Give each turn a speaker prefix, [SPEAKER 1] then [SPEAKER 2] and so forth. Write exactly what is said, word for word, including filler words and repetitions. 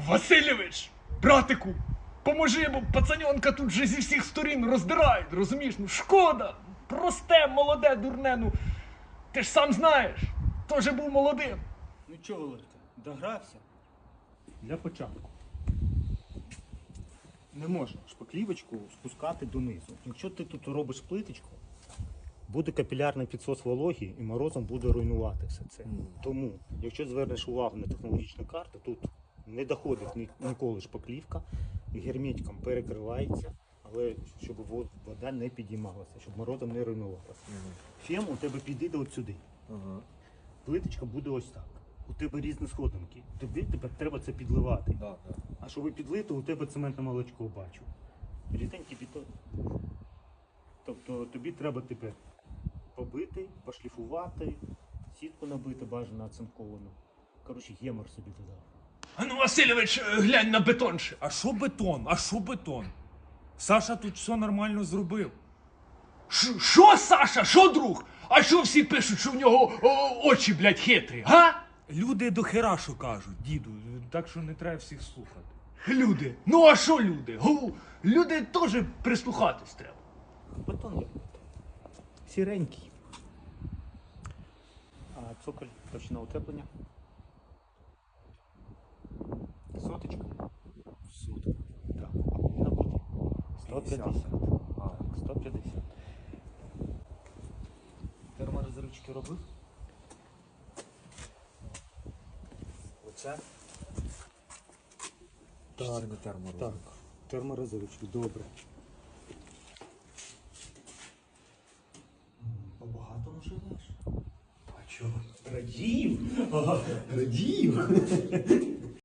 [SPEAKER 1] Васильович, братику, поможи, бо пацаньонка тут вже зі всіх сторін роздирають, розумієш? Ну шкода, просте, молоде, дурне, ну ти ж сам знаєш, теж був молодим.
[SPEAKER 2] Ну чого, Володька, догрався? Для початку. Не можна шпаклівочку спускати донизу. Якщо ти тут робиш плиточку, буде капілярний підсос вологі і морозом буде руйнувати все це. Тому, якщо звернеш увагу на технологічну карту, тут не доходить ні- ніколи шпаклівка, герметиком перекривається, але щоб во- вода не підіймалася, щоб морозом не руйнувалася. Фем у тебе підійде от сюди. Плиточка буде ось так. У тебе різні сходинки. Тобі тепер треба це підливати.
[SPEAKER 3] Да, да.
[SPEAKER 2] А щоб підлити, у тебе цементне молочко бачу. Ріденький бетон. Тобто тобі треба тепер побити, пошліфувати, сітку набити, бажано оцинковану. Коротше, гемор собі додав.
[SPEAKER 1] А ну, Васильович, е, глянь на бетон ще.
[SPEAKER 3] А що бетон? А що бетон? Саша тут все нормально зробив.
[SPEAKER 1] Ш- Що, Саша, що, друг? А що всі пишуть, що в нього о, очі, блядь, хитрі, га?
[SPEAKER 3] Люди до хера що кажуть, діду, так що не треба всіх слухати.
[SPEAKER 1] Люди. Ну а що люди? Гу, люди теж прислухатись треба.
[SPEAKER 2] Бетон як бетон. Сіренький. А цоколь, точно утеплення. Соточка.
[SPEAKER 3] Сутка.
[SPEAKER 2] Так. А повинна бути сто п'ятдесят.
[SPEAKER 3] А.
[SPEAKER 2] Так, сто п'ятдесят. Терморозривчики робив?
[SPEAKER 3] Оце?
[SPEAKER 2] Так,
[SPEAKER 3] Чи це не терморозив?
[SPEAKER 2] Так, терморозривчик, добре. Побагато наживеш? А чого? Радів? Ага, радів.